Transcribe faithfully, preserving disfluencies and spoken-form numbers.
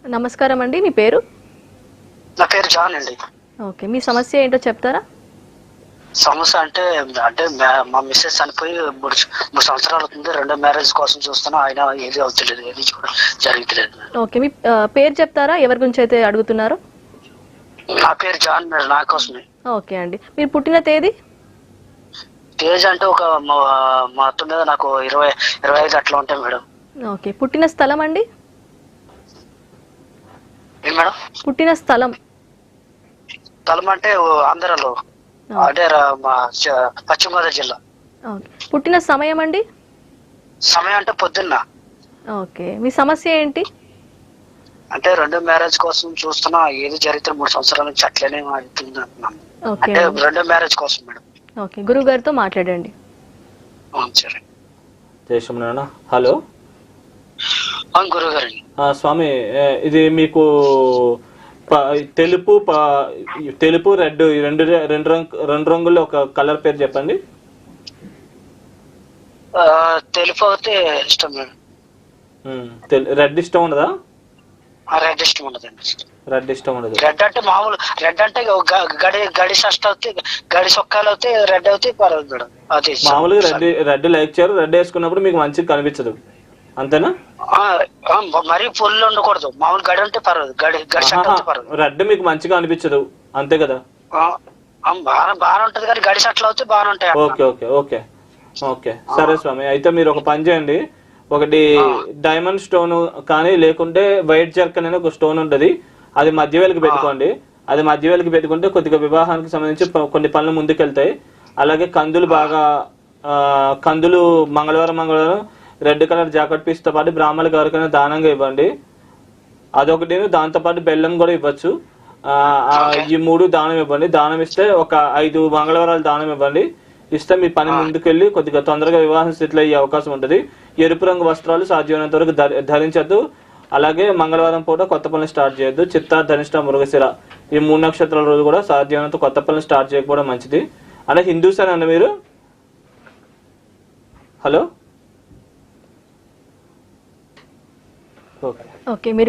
నమస్కారం అండి, మీ పేరు? నా పేరు జాన్ అండి. ఓకే, మీ సమస్య ఏంటో చెప్తారా? సమస్య అంటే అంటే మ్యా- మా మిస్సెస్ చనిపోయి మూడు మూడు సంవత్సరాలు అవుతుంది. రెండో మ్యారేజ్ కోసం చూస్తున్నా, ఆయన ఏది అవుతలేదు, ఏది కూడా జరుగుతలేదు. ఓకే, మీ ఆ, పేరు చెప్తారా, ఎవరి గురించి అయితే అడుగుతున్నారు? నా పేరు జాన్ మేడం, నా కోసమే. ఓకే అండి, మీరు పుట్టిన తేదీ? తేజ్ అంటే ఒక మా మా అత్త మీద నాకు ఇరవై ఇరవై ఐదు అట్లా ఉంటాయి మేడం. ఓకే, పుట్టిన స్థలం అండి? ఏం మేడం? పుట్టిన స్థలం? తలం అంటే ఆంధ్రలో, అంటే రా- మా చ- పశ్చిమ గోదావరి జిల్లా. ఓకే, పుట్టిన సమయం అండి? సమయం అంటే పొద్దున్న. ఓకే, మీ సమస్య ఏంటి? అంటే రెండో మ్యారేజ్ కోసం చూస్తున్నా, ఏది జరిగితే మూడు సంవత్సరాల నుంచి అట్లనే అవుతుంది అంటున్నాను. ఓకే అంటే అండి. రెండో మ్యారేజ్ కోసం మేడం. ఓకే, గురువు గారితో మాట్లాడండి. అవును సరే. జయశ్రీమణ. హలో అవును గురువు గారండి. ఆ, స్వామి, ఏ, ఇది మీకు ప- తెలుపు ప- తెలుపు రెడ్ ఈ రెండు రెండు రంగు రెండు రంగుల్లో ఒక కలర్ పేరు చెప్పండి. ఆ, తెలుపు అయితే ఇష్టం మేడం. ఉమ్, తెల్- రెడ్ ఇష్టం ఉండదా? ఆ, రెడ్ ఇష్టం ఉండదండి. రెడ్ ఇష్టం ఉండదు. రెడ్ అంటే మామూలు రెడ్ అంటే గ- గడి గడి షర్ట్ అవుతే, గడి సొక్కాలు అవుతే రెడ్ అవుతే పర్వాలేదు మేడం. అది ఇష్టం. మామూలుగా రెడ్ రెడ్ లైక్ చేయరు. రెడ్ వేసుకున్నప్పుడు మీకు మంచిగా కనిపించదు, అంతేనా? ఆ, ఆ, మరీ ఫుల్ ఉండకూడదు, మామూలు గడి ఉంటే పర్వాలేదు, గడి గడి షర్ట్ అవుతే పర్వాలేదు. రెడ్ మీకు మంచిగా అనిపించదు, అంతే కదా? ఆ, ఆ, బాగా బాగా ఉంటది కానీ గడి షర్ట్లు అవుతే బాగా ఉంటాయి. ఓకే ఓకే ఓకే ఓకే సరే స్వామి, అయితే మీరు ఒక పని చేయండి. ఒకటి డైమండ్ స్టోన్ కానీ, లేకుంటే వైట్ జర్కన్ అనే ఒక స్టోన్ ఉంటుంది, అది మధ్యవేలికి పెట్టుకోండి. అది మధ్యవేలికి పెట్టుకుంటే కొద్దిగా వివాహానికి సంబంధించి ప- కొన్ని పనులు ముందుకెళ్తాయి. అలాగే కందులు బాగా ఆ, కందులు మంగళవారం మంగళవారం రెడ్ కలర్ జాకెట్ పీస్తో పాటు బ్రాహ్మణులకు ఎవరికైనా దానంగా ఇవ్వండి. అదొకటి, దాంతోపాటు బెల్లం కూడా ఇవ్వచ్చు. ఆ, ఆ, ఈ మూడు దానం ఇవ్వండి. దానం ఇస్తే ఒక ఐదు మంగళవారాలు దానం ఇవ్వండి. ఇస్తే మీ పని ముందుకెళ్ళి కొద్దిగా తొందరగా వివాహం స్థితిలో అయ్యే అవకాశం ఉంటుంది. ఎరుపు రంగు వస్త్రాలు సాధ్యమైనంత వరకు ధరి ధరించద్దు. అలాగే మంగళవారం పూట కొత్త పనులు స్టార్ట్ చేయొద్దు. చిత్త, ధనిష్ట, మృగశిర ఈ మూడు నక్షత్రాల రోజు కూడా సాధ్యమైనంత కొత్త పనులు స్టార్ట్ చేయకపోవడం మంచిది. అంటే హిందూస్ అని అన్న మీరు? హలో. ఓకే ఓకే, మీరు